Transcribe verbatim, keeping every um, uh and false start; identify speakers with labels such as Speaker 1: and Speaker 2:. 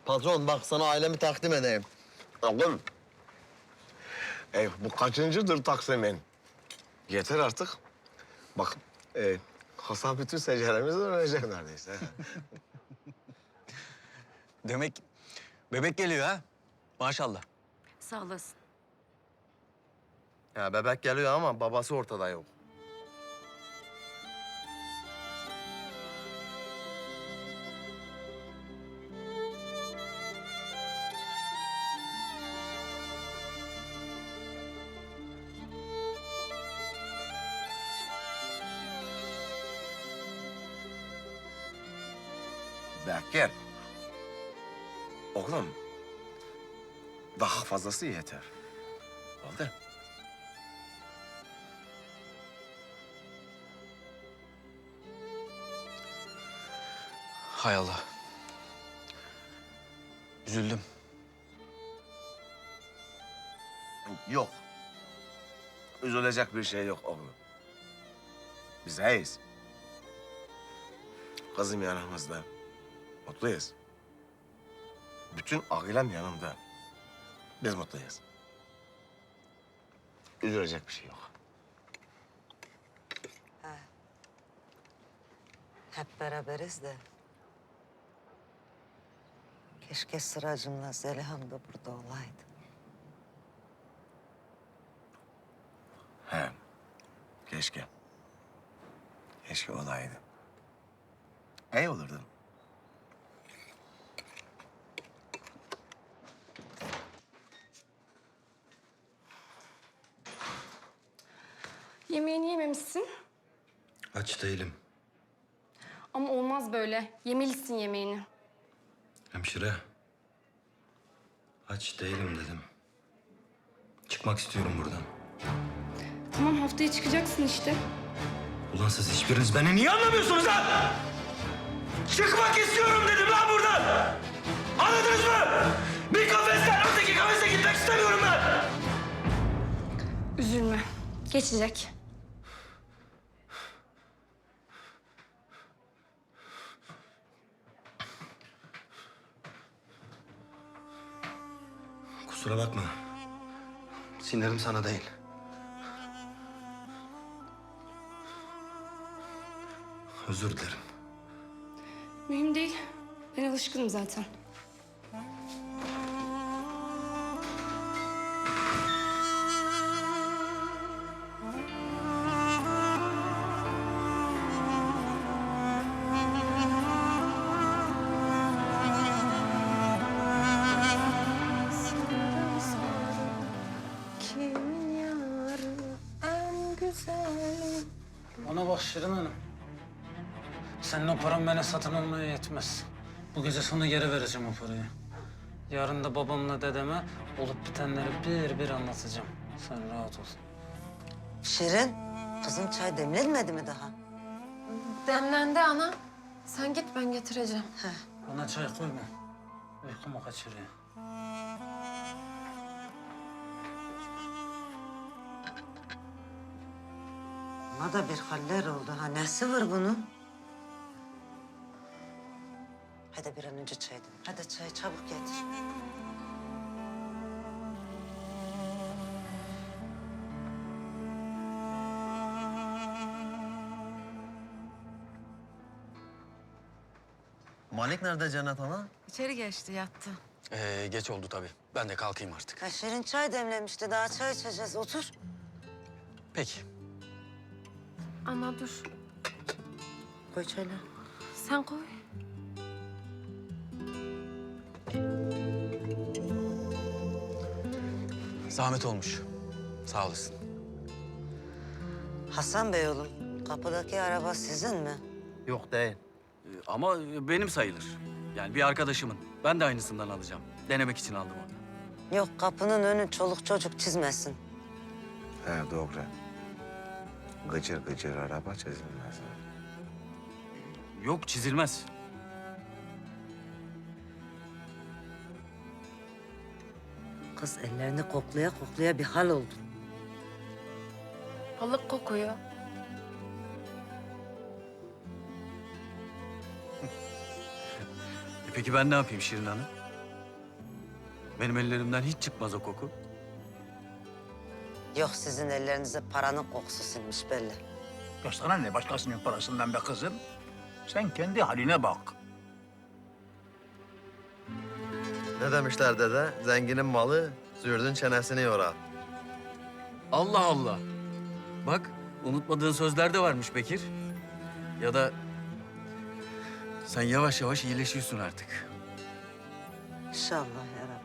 Speaker 1: Patron bak sana ailemi takdim edeyim.
Speaker 2: Oğlum. E, bu kaçıncıdır taksimin? Yeter artık. Bak, e, Hasan bütün seceremizi öğrenecek neredeyse.
Speaker 3: Demek bebek geliyor ha? Maşallah.
Speaker 4: Sağ olasın.
Speaker 1: Ya bebek geliyor ama babası ortada yok.
Speaker 2: Bekir. Oğlum. Daha fazlası yeter. Oldu.
Speaker 3: Hay Allah. Üzüldüm.
Speaker 2: Yok. Üzülecek bir şey yok oğlum. Biz iyiyiz. Kızım yanımızda. Mutluyuz. Bütün ailem yanımda. Biz mutluyuz. Üzülecek bir şey yok.
Speaker 5: Hep beraberiz de. Keşke Sıracım'la Zeliha'm da burada olaydı.
Speaker 2: He. Keşke. Keşke olaydı. İyi olurdu.
Speaker 4: Yemeğini yememişsin.
Speaker 6: Aç değilim.
Speaker 4: Ama olmaz böyle. Yemelisin yemeğini.
Speaker 6: Hemşire. Aç değilim dedim. Çıkmak istiyorum buradan.
Speaker 4: Tamam haftaya çıkacaksın işte.
Speaker 6: Ulan siz hiçbiriniz beni niye anlamıyorsunuz lan? Çıkmak istiyorum dedim lan buradan. Anladınız mı? Bir kafesten öteki kafese gitmek istemiyorum ben.
Speaker 4: Üzülme. Geçecek.
Speaker 6: Kusura bakma. Sinirim sana değil. Özür dilerim.
Speaker 4: Mühim değil. Ben alışkınım zaten.
Speaker 5: Kimin yarı en güzeli?
Speaker 7: Ona bak Şirin Hanım. Senin o paran bana satın almaya yetmez. Bu gece sana geri vereceğim o parayı. Yarın da babamla dedeme olup bitenleri bir bir anlatacağım. Sen rahat ol.
Speaker 5: Şirin, kızım çay demlenmedi mi daha?
Speaker 8: Demlendi ana. Sen git ben getireceğim.
Speaker 7: Bana çay koyma. Uykumu kaçırıyor.
Speaker 5: Buna da bir haller oldu. Ha nesi var bunun? Hadi bir an önce çay demle. Hadi çay çabuk getir.
Speaker 1: Malik nerede Cennet Ana?
Speaker 8: İçeri geçti yattı.
Speaker 3: Ee, geç oldu tabii. Ben de kalkayım artık.
Speaker 5: Ha, Şirin çay demlemişti. Daha çay içeceğiz. Otur.
Speaker 3: Peki.
Speaker 8: Ana dur.
Speaker 5: Koy çayları.
Speaker 8: Sen koy.
Speaker 3: Zahmet olmuş. Sağ olasın.
Speaker 5: Hasan Bey oğlum, kapıdaki araba sizin mi?
Speaker 1: Yok değil.
Speaker 3: Ee, ama benim sayılır. Yani bir arkadaşımın. Ben de aynısından alacağım. Denemek için aldım onu.
Speaker 5: Yok, kapının önü çoluk çocuk çizmesin.
Speaker 2: He doğru. Gıcır gıcır araba çizilmez.
Speaker 3: Yok çizilmez.
Speaker 5: Kız ellerini koklaya koklaya bir hal oldu.
Speaker 8: Balık kokuyor.
Speaker 3: E peki ben ne yapayım Şirin Hanım? Benim ellerimden hiç çıkmaz o koku.
Speaker 5: Yok, sizin ellerinize paranın kokusu sinmiş belli.
Speaker 9: Ya sana ne başkasının parasından be kızım? Sen kendi haline bak.
Speaker 1: Ne demişler dede? Zenginin malı zürdün çenesini yorar.
Speaker 3: Allah Allah. Bak, unutmadığın sözler de varmış Bekir. Ya da sen yavaş yavaş iyileşiyorsun artık.
Speaker 5: İnşallah yarabbim.